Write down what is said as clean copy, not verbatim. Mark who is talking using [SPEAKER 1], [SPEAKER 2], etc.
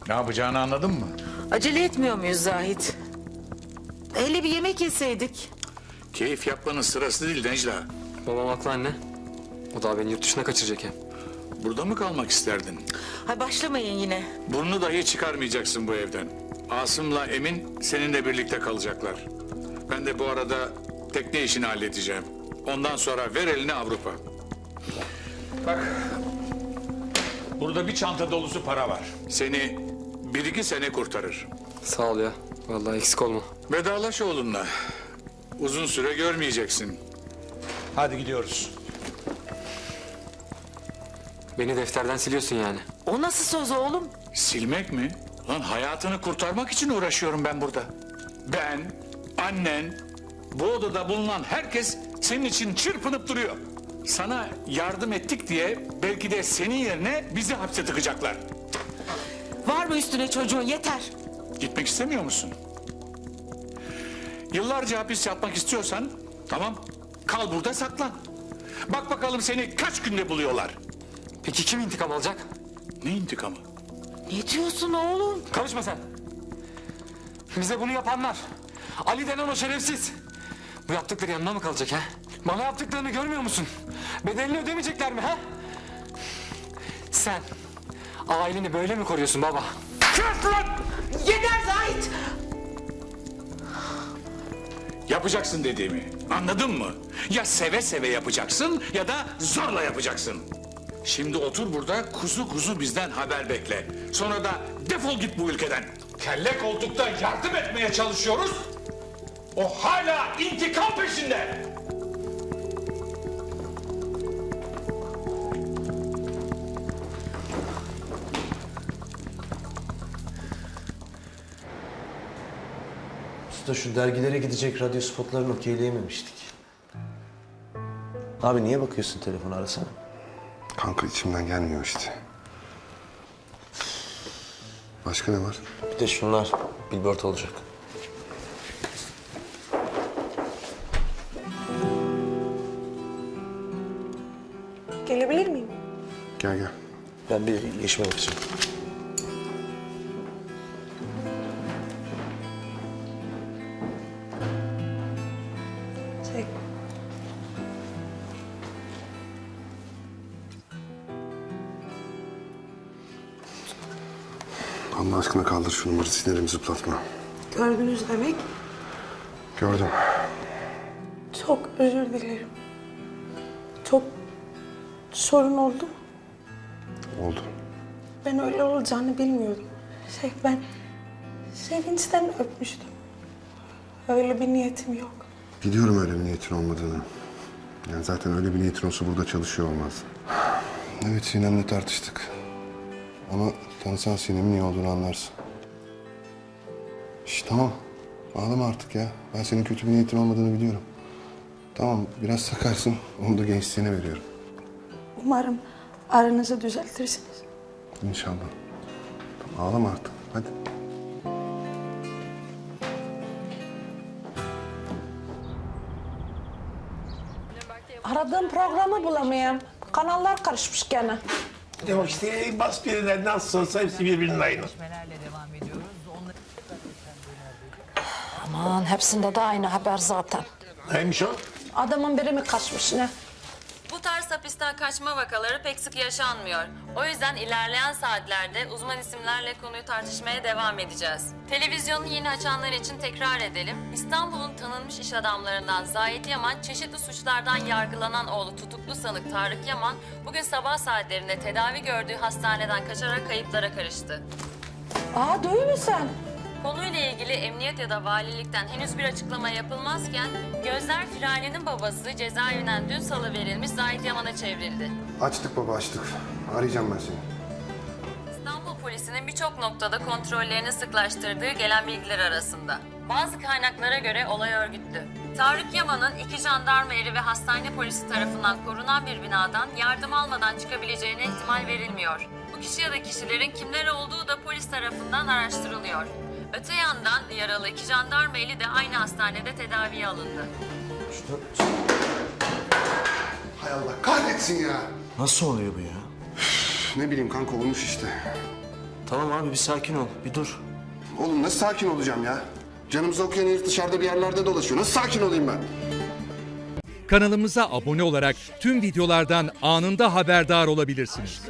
[SPEAKER 1] Ne yapacağını anladın mı?
[SPEAKER 2] Acele etmiyor muyuz Zahit? Hele bir yemek yeseydik.
[SPEAKER 1] Keyif yapmanın sırası değil Necla.
[SPEAKER 3] Babam haklı anne. O da beni yurt dışına kaçıracak hem.
[SPEAKER 1] Burada mı kalmak isterdin?
[SPEAKER 2] Hay başlamayın yine.
[SPEAKER 1] Burnunu dahi çıkarmayacaksın bu evden. Asım'la Emin seninle birlikte kalacaklar. Ben de bu arada tekne işini halledeceğim. Ondan sonra ver elini Avrupa. Bak, burada bir çanta dolusu para var. Seni 1-2 sene kurtarır.
[SPEAKER 3] Sağ ol ya. Vallahi eksik olma.
[SPEAKER 1] Vedalaş oğlunla. Uzun süre görmeyeceksin. Hadi gidiyoruz.
[SPEAKER 3] Beni defterden siliyorsun yani.
[SPEAKER 2] O nasıl söz oğlum?
[SPEAKER 1] Silmek mi? Lan hayatını kurtarmak için uğraşıyorum ben burada. Ben, annen, bu odada bulunan herkes senin için çırpınıp duruyor. Sana yardım ettik diye belki de senin yerine bizi hapse tıkacaklar.
[SPEAKER 2] Var mı üstüne çocuğun, yeter.
[SPEAKER 1] Gitmek istemiyor musun? Yıllarca hapis yatmak istiyorsan tamam kal burada saklan. Bak bakalım seni kaç günde buluyorlar.
[SPEAKER 3] Peki kim intikam alacak?
[SPEAKER 1] Ne intikamı?
[SPEAKER 2] Ne diyorsun oğlum?
[SPEAKER 3] Karışma sen. Bize bunu yapanlar. Ali denen o şerefsiz. Bu yaptıkları yanına mı kalacak ha? Bana yaptıklarını görmüyor musun? Bedelini ödemeyecekler mi ha? Sen aileni böyle mi koruyorsun baba?
[SPEAKER 2] Yeter Zahit!
[SPEAKER 1] Yapacaksın dediğimi. Anladın mı? Ya seve seve yapacaksın ya da zorla yapacaksın. Şimdi otur burada kuzu kuzu bizden haber bekle. Sonra da defol git bu ülkeden. Kelle koltukta yardım etmeye çalışıyoruz. O hala intikam peşinde.
[SPEAKER 4] Usta şu dergilere gidecek radyo spotlarını okeyleyememiştik. Abi niye bakıyorsun telefona, arasana.
[SPEAKER 5] Kanka içimden gelmiyor işte. Başka ne var?
[SPEAKER 4] Bir de şunlar billboard olacak.
[SPEAKER 6] Gelebilir miyim?
[SPEAKER 5] Gel gel.
[SPEAKER 4] Ben bir yeşime bakacağım.
[SPEAKER 6] Şey,
[SPEAKER 5] Allah aşkına kaldır şu numarayı, sinirimi zıplatma.
[SPEAKER 6] gördünüz demek.
[SPEAKER 5] Gördüm.
[SPEAKER 6] Çok özür dilerim. Çok sorun oldu.
[SPEAKER 5] Oldu.
[SPEAKER 6] Ben öyle olacağını bilmiyordum. Ben sevinçten öpmüştüm. Öyle bir niyetim yok.
[SPEAKER 5] Biliyorum öyle bir niyetin olmadığını. Yani zaten öyle bir niyetin olsa burada çalışıyor olmaz. Evet, Sinem'le tartıştık. Ama tanısan Sinem'in iyi olduğunu anlarsın. Şş, tamam. Ağlama artık ya. Ben senin kötü bir niyetin olmadığını biliyorum. Tamam, biraz sakarsın. Onu da gençliğine veriyorum.
[SPEAKER 6] Umarım aranızı düzeltirsiniz.
[SPEAKER 5] İnşallah. Tamam, ağlama artık. Hadi.
[SPEAKER 7] Aradığım programı bulamıyorum. Kanallar karışmış gene.
[SPEAKER 8] Ya işte bas birine nasıl olsa hepsi birbirinin aynı.
[SPEAKER 7] Aman hepsinde de aynı haber zaten.
[SPEAKER 8] Neymiş o?
[SPEAKER 7] Adamın biri mi kaçmış ne?
[SPEAKER 9] Bu tarz hapisten kaçma vakaları pek sık yaşanmıyor. O yüzden ilerleyen saatlerde uzman isimlerle konuyu tartışmaya devam edeceğiz. Televizyonu yeni açanlar için tekrar edelim. İstanbul'un tanınmış iş adamlarından Zahit Yaman, çeşitli suçlardan yargılanan oğlu tutuklu sanık Tarık Yaman, bugün sabah saatlerinde tedavi gördüğü hastaneden kaçarak kayıplara karıştı.
[SPEAKER 7] Aa duyuyor musun?
[SPEAKER 9] Konuyla ilgili emniyet ya da valilikten henüz bir açıklama yapılmazken Gözler Firani'nin babası cezaevinden dün salıverilmiş Zahit Yaman'a çevrildi.
[SPEAKER 5] Açtık baba, açtık. Arayacağım ben seni.
[SPEAKER 9] İstanbul polisinin birçok noktada kontrollerini sıklaştırdığı gelen bilgiler arasında. Bazı kaynaklara göre olay örgütlü. Tarık Yaman'ın 2 jandarma eri ve hastane polisi tarafından korunan bir binadan yardım almadan çıkabileceğine ihtimal verilmiyor. Bu kişi ya da kişilerin kimler olduğu da polis tarafından araştırılıyor. Öte yandan yaralı 2 jandarma eli de aynı hastanede tedaviye alındı.
[SPEAKER 5] Hay Allah kahretsin ya.
[SPEAKER 4] Nasıl oluyor bu ya?
[SPEAKER 5] Ne bileyim kanka, olmuş işte.
[SPEAKER 4] Tamam abi bir sakin ol. Bir dur.
[SPEAKER 5] Oğlum nasıl sakin olacağım ya? Canımızı okuyan herif dışarıda bir yerlerde dolaşıyor. Nasıl sakin olayım ben?
[SPEAKER 10] Kanalımıza abone olarak tüm videolardan anında haberdar olabilirsiniz.